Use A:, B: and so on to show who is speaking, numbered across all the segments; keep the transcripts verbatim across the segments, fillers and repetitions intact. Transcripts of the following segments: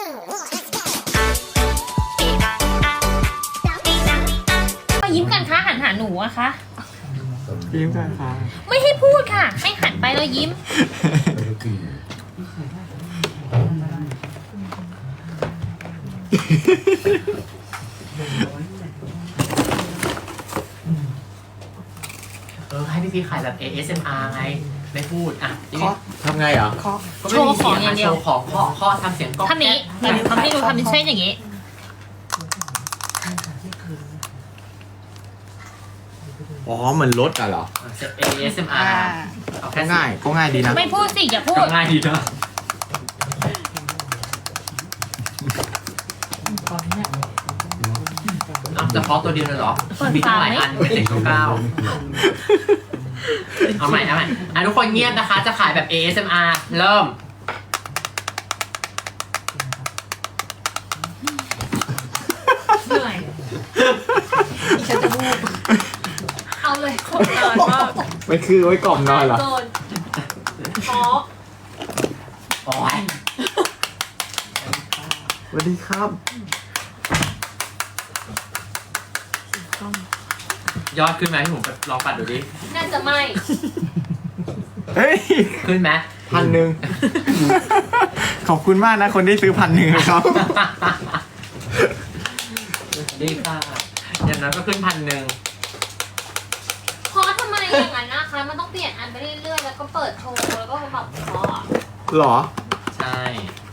A: ยิ้มกันคะหันหาหนูอะคะ
B: ยิ้มกันค่ะ
A: ไม่ให้พูดค่ะให้หันไปแล้วยิ้ม
C: เออให้พี่พีขายแบบ เอ เอส เอ็ม อาร์ ไงไม่พูดอ่ะ
B: ทำไงเหรอ
A: โชว์ของอย่างเดียว
C: โชว์ของข้อข้อทำเสียงก็
A: ทำนี้ทำให้ดูทำเป็นเช่นอย่างนี้
B: อ๋อเหมือนรถอะเหรอ
C: เอ เอส เอ็ม อาร์ เอาแค่
B: ง่ายก็ง่ายดีนะ
A: ไม่พูดสิอย่าพูด
C: ง่ายดีนะเอาเฉพาะตัวเดียวเลยเหรอมีตั้งหลายอันเป็นเจ็ดเก้าเก้าเอาใหม่เอาใหม่อ่ะทุกคนเงียบนะคะจะขายแบบ เอ เอส เอ็ม อาร์ เริ่ม
A: เหนื่อยฉันจะพูดเอาเลยขนานมาก
B: ไม่คือไว้กล่อมนอนเหรอ
A: อ๋อ
C: โอ้ย
B: สวัสดีครับ
C: ยอดขึ้นไหมที่ผมลองปัดดูดิ
A: น่าจะไม่
B: เฮ้ย
C: ขึ้นไหม
B: พันหนึ่งขอบคุณมากนะคนที่ซื้อพันหนึ่งครับ
C: ดีค่ะอย่างนั้นก็ขึ้นพันหนึ่ง
A: เพราะทำไมอย่างนั้นนะคะมันต้องเปลี่ยนอันไปเรื่อยๆแล้วก็เปิดโชว์แล้วก็แบบเพราะ
B: หรอ
C: ใช่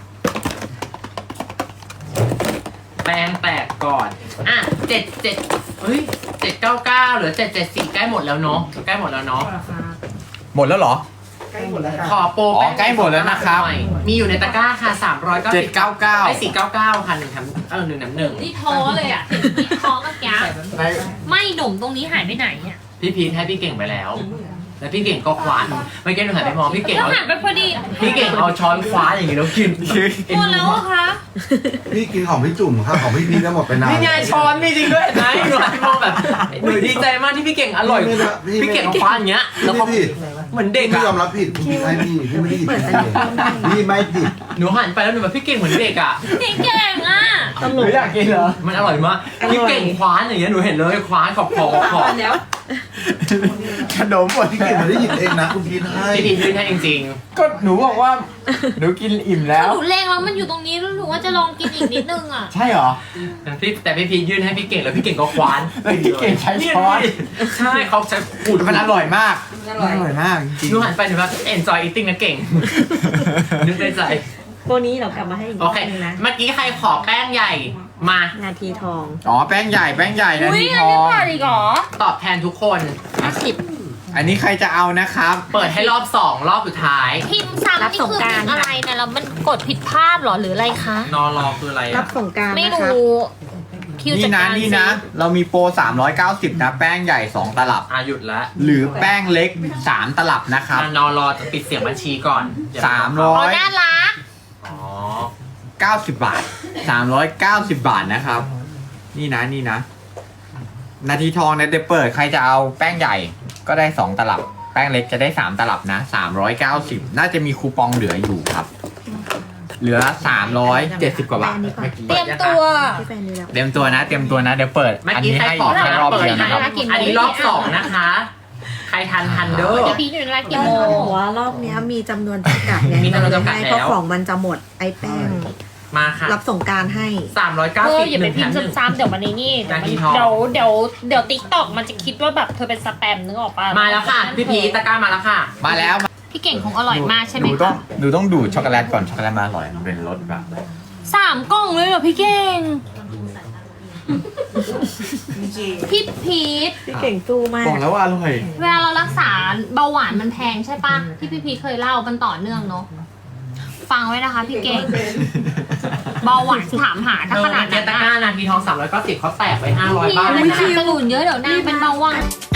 C: แปลงแตกก่อนอ่ะเจ็ดเจ็ดเฮ้ยเจ็ดเก้าเก้าหรือเจ็ดเจ็ดสี่ใกล้หมดแล้วเนาะใกล้หมดแล้วเนาะ
B: หมดแล้วเหรอ
D: ใกล้หมดแล้ว
C: ขอโปร
B: ใกล้หมดแล้วนะครับ
C: มีอยู่ในตะกร้าค่ะสามร้อยเก้าสิบ
B: เจ็ดเก้าเก้า
C: ไอ้สี่เก้าเก้าค่ะหนึ่งแถมเออหนึ่งแถมหนึ่ง
A: ที่ท้อเลยอ่ะที่ท้อเมื่อกี้ไม่หนุ่มตรงนี้หายไปไหนเนี่ย
C: พี่พีทให้พี่เก่งไปแล้วแล้วพี่เก่งก็คว้าไม่เก่งหนูหันไปมองพี่เก่งเอา
A: หันไปพอดี
C: พี่เก่งเอาช้อนคว้าอย่างนี้แล้วกิน
A: หมดแล้วคะ
D: พี่กินของพี่จุ่มครับของพี่พีก็หมดไปนาน
C: นี่ไงช้อนมีจริงด้วยนะหนูหันไปมองแบบหนูดีใจมากที่พี่เก่งอร่อยพี่เก่งคว้าอย่างเงี้ยแล้วเขาเหมือนเด็ก
D: พี่ยอมรับผิดพี่ไม่พี่พี่ไม่ผิดพี่ไม่ผิด
C: หนูหันไปแล้วหนูแบบพี่เก่งเหมือนเด็กอ่ะ
A: พี่เก่งอ่ะ
B: หนูอยากกินเหรอ
C: มันอร่อยมากพี่เก่งคว้าอย่างเงี้ยหนูเห็นเลยคว้าขอบขอบขอบ
B: ขนมหมด
D: พี่เก่งไม่ได้หยิบเองนะคุณพีทให้
C: พี่พีทให้จริง
B: ๆก็หนูบอกว่าหนูกินอิ่มแล้ว
A: หนูเลงแล้วมันอยู่ตรงนี้แล้วหนูว่าจะลองกินอีกนิดนึงอ่ะ
B: ใช่เหรอ
C: แต่พี่แต่พี่พีทยื่นให้พี่เก่งแล้วพี่เก่งก็คว้าน
B: พี่เก่งใช้ช้อน
C: ใช่เขาใช้ขูด
B: มันอร่อยมากอร่อยมากจริง
C: หนูหันไปหนูว่า enjoy eating นะเก่งนึกในใจ
E: พวกนี้เรากลับมาให้อีก
C: โอเคเมื่อกี้ใครขอแป้งใหญ่มา
E: นาทีทอง
B: อ๋อแป้งใหญ่แป้งใหญ่นาทีทอง
A: อีกเหรอ
C: ตอบแทนทุกคน
A: สิบ
B: อันนี้ใครจะเอานะครับ
C: เปิดให้รอบสองรอบสุดท้าย
A: พิมพ์ซ้ำนี่คือพิมพ์อะไรเนี่ยแล้วมันกดผิดพลาดหรอหรืออะไรคะ
C: นอรอคืออะไร
E: รับสงการ
A: ไม่รู้
B: นี่นะนี่นะเรามีโปรสามร้อยเก้าสิบนะแป้งใหญ่สองตลับ
C: อ่ะหยุดแล้ว
B: หรือแป้งเล็กสามตลับนะครับ
C: นอรอจะปิดเสียงบัญชีก่อน
B: สามร้อย
A: น่ารัก
C: อ๋อ
B: เก้าสิบบาทสามร้อยเก้าสิบบาทนะครับนี่นะนี่นะนาทีทองเนี่ยเดี๋ยวเปิดใครจะเอาแป้งใหญ่ก็ได้สองตลับแป้งเล็กจะได้สามตลับนะสามร้อยเก้าสิบน่าจะมีคูปองเหลืออยู่ครับเหลือสามร้อยเจ็ดสิบกว่าบาท
A: เตรียมตัว
B: เตรียมตัวนะเตรียมตัวนะเดี๋ยวเปิดอันนี้ให้แค่รอบเดียวนะครับ
C: อันนี้รอบสองนะคะใครทันทันเด้อ
A: พี่อยู่ในรายกี่โมง
E: ว่ารอบนี้มีจำนวนจำกัดไง
C: มีจำนวนจำกัดแล้ว
E: เพราะของมันจะหมดไอ้แป้ง
C: มาค่ะ
E: รับส่งการให้
C: สามร้อยเก้าสิบ
A: อย่าไปพิมพ์ซ้ำๆเดี๋ยวมันนี่เดี๋ยวเดี๋ยวเดี๋ยวติ๊กต็อกมันจะคิดว่าแบบเธอเป็นสแปมนึกออกป่ะ
C: มาแล้วค่ะพี่พีตะกร้ามาแล้วค่ะ
B: มาแล้ว
A: พี่เก่งคงอร่อยมากใช่ไหม
B: หนูต้องหนูต้องดูดช็อกโกแลตก่อนช็อกโกแลตมาอร่อยมันเป็นรสแบบ
A: สามกล่องเลยเหรอพี่เก่งพี่พีท
E: พี่เก่งสู้มาก
B: บอกแล้วว่าอร่อย
A: เวลาเรารักษาเบาหวานมันแพงใช่ปะที่พี่พีทเคยเล่ามันต่อเนื่องเนาะฟังไว้นะคะพี่เก่งเบาหวานถามหาถ้าขนาด
C: นี้ตะกร้านาทีทองสามร้อยเก้าสิบเขาแตกไปห้าร้อยบาท
A: เลยนะกระหนุนเยอะเดี๋ยวนางเป็นเบาหวาน